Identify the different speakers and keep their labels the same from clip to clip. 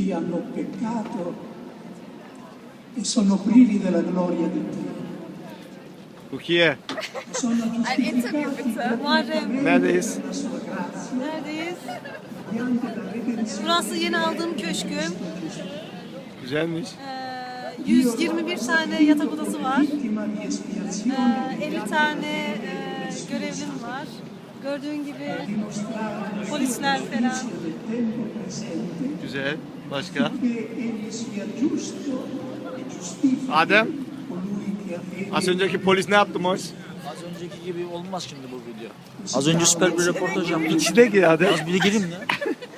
Speaker 1: cui hanno peccato e sono privi della gloria di Dio.
Speaker 2: Rukiye,
Speaker 1: Sono
Speaker 3: Ein Interview bitte. Muharrem.
Speaker 2: neredeyiz?
Speaker 1: della sua grazia
Speaker 3: Neredeyiz?
Speaker 1: mediante la redenzione
Speaker 3: Burası yeni aldığım köşküm.
Speaker 2: Güzelmiş.
Speaker 3: 121 tane yatak odası var.
Speaker 1: vittima di espiazione
Speaker 3: 50 tane görevlim var. Gördüğün gibi polisler falan.
Speaker 1: del tempo presente
Speaker 2: Güzel. Başka?
Speaker 1: che egli sia giusto e giustifica
Speaker 2: Adem,
Speaker 1: colui che ha fede.
Speaker 2: az önceki polis ne yaptı Moş?
Speaker 4: Az önceki gibi olmaz şimdi bu video. Az önce süper bir röportaj yaptık.
Speaker 2: İçine gir Adem.
Speaker 4: Az bir gireyim ya.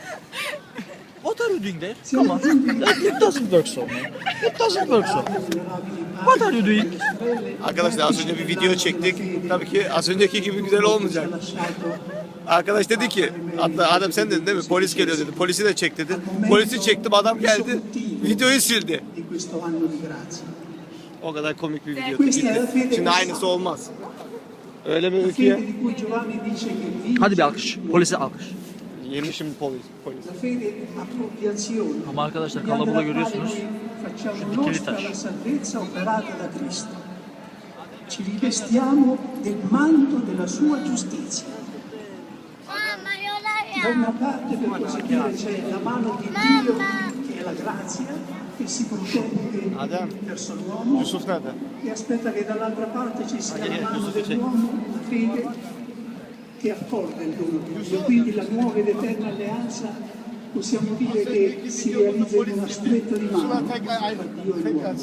Speaker 4: What are you doing there? Come on. It doesn't work so, man. It doesn't work so. What are you doing?
Speaker 2: Arkadaşlar az önce bir video çektik. Tabii ki az önceki gibi güzel olmayacak. Arkadaş dedi ki, hatta Adem sen dedin değil mi? Polis geliyor dedi. Polisi de çek dedi. Polisi çektim, adam geldi. Videoyu sildi.
Speaker 1: Di questo anno di grazia.
Speaker 2: O kadar komik bir video. Gitti. Şimdi aynısı olmaz. Öyle mi
Speaker 1: Fede
Speaker 2: Rukiye?
Speaker 1: di cui Giovanni dice che vince
Speaker 4: Hadi bir alkış. Polise alkış.
Speaker 2: Yemişim polis.
Speaker 1: la fede appropriazione.
Speaker 4: Ama arkadaşlar kalabalığı görüyorsunuz.
Speaker 1: Facciamo
Speaker 4: dikili
Speaker 1: nostra
Speaker 4: taş.
Speaker 1: la salvezza operata da Cristo. Ci rivestiamo del manto della sua giustizia.
Speaker 5: Mamma, io la
Speaker 1: Da una parte, per così dire, c'è la mano di Dio, che è la grazia, che si protende
Speaker 2: Adem,
Speaker 1: verso l'uomo,
Speaker 2: Yusuf nerede?
Speaker 1: e aspetta che dall'altra parte ci sia la mano dell'uomo, la fede, che accorda il dono di Dio. Quindi la nuova ed eterna alleanza possiamo dire che si realizza in una stretta di mano tra Dio e l'uomo.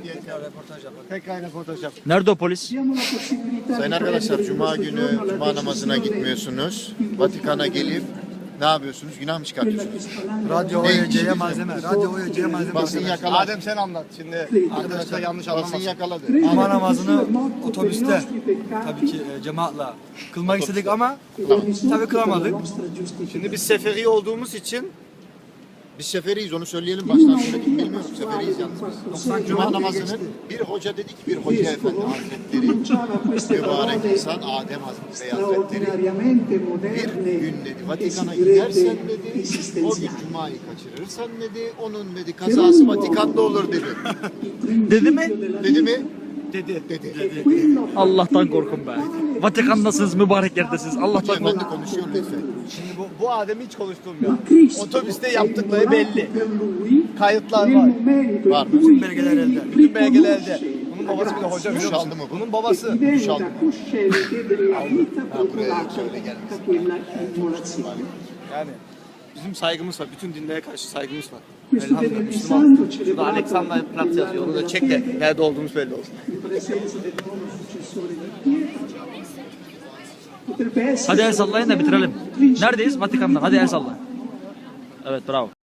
Speaker 2: Tekrar röportaj yap.
Speaker 4: Nerede o polis?
Speaker 1: Abbiamo la possibilità
Speaker 6: Sayın
Speaker 1: di
Speaker 6: arkadaşlar,
Speaker 1: prendere
Speaker 6: Cuma
Speaker 1: questo
Speaker 6: günü
Speaker 1: giorno la
Speaker 6: Cuma namazına
Speaker 1: decisione
Speaker 6: gitmiyorsunuz. Vatikan'a gelip ne yapıyorsunuz? Günah mı
Speaker 1: quella
Speaker 6: çıkartıyorsunuz?
Speaker 1: che spalando
Speaker 7: Radyo
Speaker 6: Ne
Speaker 7: OYC'ye
Speaker 6: için?
Speaker 7: malzeme, radyo OYC'ye malzeme.
Speaker 6: Basın yakaladı.
Speaker 2: Adem sen anlat. Şimdi arkadaşlar yanlış
Speaker 6: Basın
Speaker 2: anlamasın.
Speaker 6: yakaladı.
Speaker 7: Cuma namazını otobüste tabii ki cemaatle kılmak istedik ama tabii kılamadık.
Speaker 2: Şimdi biz seferi olduğumuz için
Speaker 6: Biz seferiyiz, onu söyleyelim. Baştan söyledik, bilmiyoruz. Seferiyiz yalnız biz. Cuma namazının bir hoca dedi ki, bir hoca efendi hazretleri, mübarek insan Adem Bey hazretleri,
Speaker 1: straordinariamente
Speaker 6: bir
Speaker 1: moderne
Speaker 6: gün dedi
Speaker 1: e
Speaker 6: Vatikan'a
Speaker 1: si
Speaker 6: gidersen
Speaker 1: direbbe
Speaker 6: dedi, o gün
Speaker 1: esistenziali.
Speaker 6: Cuma'yı kaçırırsan dedi, onun dedi kazası Vatikan'da olur dedi.
Speaker 4: Dedi mi?
Speaker 6: Dedi mi?
Speaker 2: dedi.
Speaker 6: Dedi.
Speaker 4: Allah'tan korkun be. Vatikan'dasınız, mübarek yerdesiniz. Allah'tan
Speaker 6: Hoca
Speaker 4: korkun.
Speaker 6: efendi konuşuyor lütfen.
Speaker 2: Şimdi bu Adem'i hiç konuşturmuyor.
Speaker 1: Cristo
Speaker 2: Otobüste
Speaker 1: è
Speaker 2: yaptıkları belli.
Speaker 1: immolato per lui
Speaker 2: Kayıtlar
Speaker 1: nel
Speaker 2: var.
Speaker 1: momento
Speaker 6: Var.
Speaker 1: in cui
Speaker 7: Bütün belgeler elde.
Speaker 2: Bütün belgelerde.
Speaker 1: riconosce
Speaker 2: Bunun
Speaker 1: la
Speaker 2: babası bir de hoca
Speaker 1: grazia
Speaker 2: biliyor
Speaker 6: Çaldı
Speaker 2: musun?
Speaker 6: mı bu?
Speaker 2: Bunun babası.
Speaker 1: e diventa cosciente della vita procurata
Speaker 6: öyle gelmesin.
Speaker 1: da quella immolazione.
Speaker 2: Yani bizim saygımız var. Bütün dinlere karşı saygımız var.
Speaker 1: Questo
Speaker 2: Elhamdülillah
Speaker 1: venerdì
Speaker 2: Müslüman.
Speaker 1: santo
Speaker 2: Şurada
Speaker 1: celebrato
Speaker 2: Alexander Platz yazıyor. Onu da çek de nerede olduğumuz belli olsun.
Speaker 1: in presenza del nuovo successore di Pietro. Potrebbe essere
Speaker 4: Hadi el sallayın da bitirelim. Neredeyiz? Vatikan'da. Hadi el salla. Evet bravo.